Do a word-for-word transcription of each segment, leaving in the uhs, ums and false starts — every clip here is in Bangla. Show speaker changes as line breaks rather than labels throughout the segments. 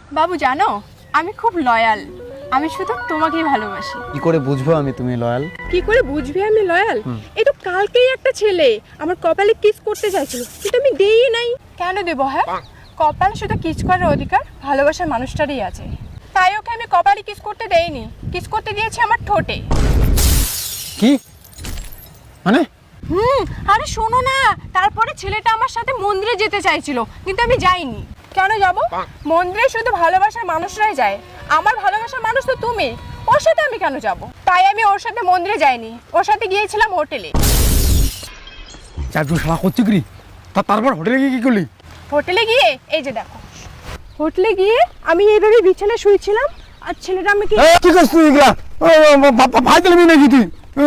বাবু জানো আমি খুব লয়াল, আমি শুধু তোমাকেই ভালোবাসি।
কি করে বুঝবো আমি তুমি লয়াল?
কি করে বুঝবি আমি লয়াল? এই তো কালকেই একটা ছেলে আমার কপালে কিস করতে চাইছিল, কিন্তু আমি দেই নাই। কেন দেবো? হ্যাঁ, কপালে শুধু কিস করার অধিকার ভালোবাসার মানুষটারই আছে, তাই ওকে আমি কপালে কিস করতে দেইনি, কিস করতে দিয়েছি আমার ঠোঁটে।
কি মানে?
হুম, আরে শোনো না, তারপরে ছেলেটা আমার সাথে মন্দিরে যেতে চাইছিল, কিন্তু আমি যাইনি। কেন যাব? মন্দিরে শুধু ভালোবাসার মানুষরাই যায়, আমার ভালোবাসার মানুষ তো তুমি, ওর সাথে আমি কেন যাব? তাই আমি ওর সাথে মন্দিরে যাইনি, ওর সাথে গিয়েছিলাম হোটেলে।
চারজন শালা করছে কি? তা তারপর হোটেলে গিয়ে কি করলি?
হোটেলে গিয়ে এই যে দেখো, হোটেলে গিয়ে আমি এইভাবে বিছানায় শুয়েছিলাম, আর ছেলেটা আমাকে
কি করছিস তুই এগুলা? ভাই দিলি নাকি তুই?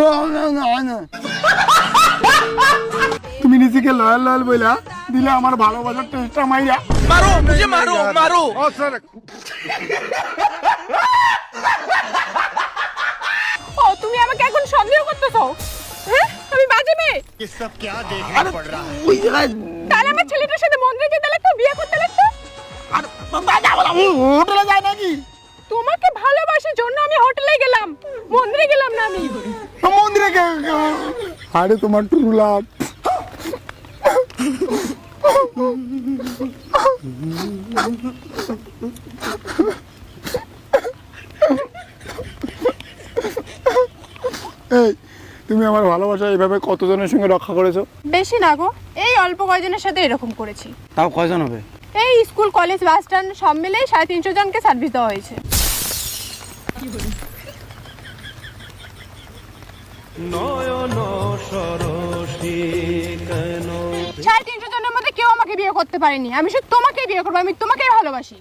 তুমি নিজেকে লয়াল লয়াল বইলা দিলে আমার ভালোবাসার টেস্টটা মাইরা।
मारो मुझे, मारो मारो।
ও তুমি আমাকে এখন সন্দেহ করতেছো? হ্যাঁ, আমি বাজে মেয়ে?
ये सब क्या देखना पड़ रहा है?
ওই জায়গায়
তাহলে আমার ছেলেটার সাথে মন্দিরে যেতে লাগতো, বিয়ে করতে লাগতো।
হোটেলে যায় নাকি?
তোমাকে ভালোবাসার জন্য আমি হোটেলে গেলাম, মন্দিরে গেলাম না আমি।
মন্দিরে গে- আরে তোমার ট্রু লাভ। এই তুমি আমার ভালোবাসা এইভাবে কতজনের সঙ্গে রক্ষা করেছো?
বেশি না গো, এই অল্প কয়জনের সাথে এরকম করেছি।
তাও কয়জন হবে?
এই স্কুল কলেজ বাস স্ট্যান্ড সব মিলে সাড়ে তিনশো জনকে সার্ভিস দেওয়া হয়েছে। সাড়ে তিনশো জনের মধ্যে কেউ আমাকে বিয়ে করতে পারেনি, আমি শুধু তোমাকেই বিয়ে করবো, আমি তোমাকেই ভালোবাসি।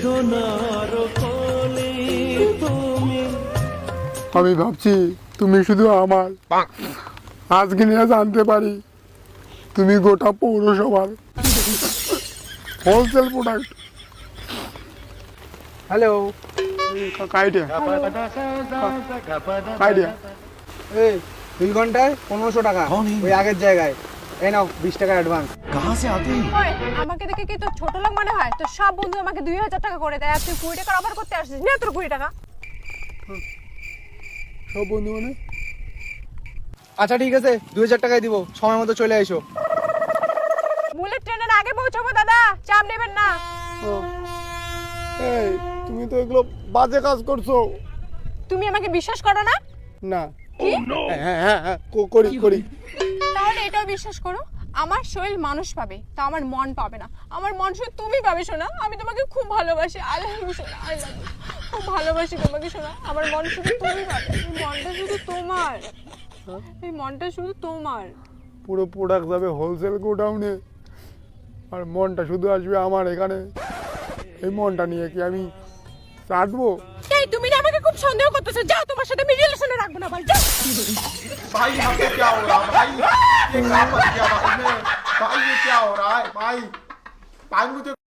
আমি ভাবছি তুমি শুধু আমার, আজকে নিয়ে জানতে পারি তুমি গোটা পৌরসভার হোলসেল প্রোডাক্ট।
হ্যালো,
কাইডিয়া কাইডিয়া
এই দুই ঘন্টায় পনেরোশো টাকা ওই আগের জায়গায়। এই নাও বিশ টাকার অ্যাডভান্স।
ওই, আমাকে দেখে কি তোর ছোট লোক মনে হয়? তোর সব বন্ধু আমাকে দুই হাজার টাকা করে দেয়, আর তুই কুড়ি টাকা অফার করতে আসছিস না? তোর কুড়ি টাকা
সব বন্ধু মানে?
আচ্ছা ঠিক আছে, দুই হাজার টাকায় দিব, সময় মতো চলে এসো।
বুলেট ট্রেনের আগে পৌঁছাবো দাদা, চাপ নেবেন না।
ও, এই তুমি তো এগুলো বাজে কাজ করছো।
তুমি আমাকে বিশ্বাস করো না?
না।
কি?
হ্যাঁ হ্যাঁ হ্যাঁ কো- করি করি
তাহলে এটাও বিশ্বাস করো, আমার শরীর মানুষ পাবে, তা আমার মন পাবে না। আমার মন শুধু তুমি পাবে শোনা, আমি তোমাকে খুব ভালোবাসি। আই লাভ ইউ সোনা, আই লাভ ইউ, খুব ভালোবাসি তোমাকে শোনা। আমার মন শুধু তুমি পাবে, এই মনটা শুধু তোমার, এই মনটা শুধু তোমার।
পুরো প্রোডাক্ট যাবে হোলসেল গোডাউনে, আর মনটা শুধু আসবে আমার এখানে। এই মনটা নিয়ে কি আমি চাটবো?
এই তুমি না আমাকে খুব সন্দেহ করতেছো, যাও, তোমার সাথে আমি রিলেশনে রাখবো না, ভাই যাও।
भाई यहाँ पे क्या हो रहा है भाई? ये क्या कर दिया भाई ने? भाई ये क्या हो रहा है भाई? भाई मुझे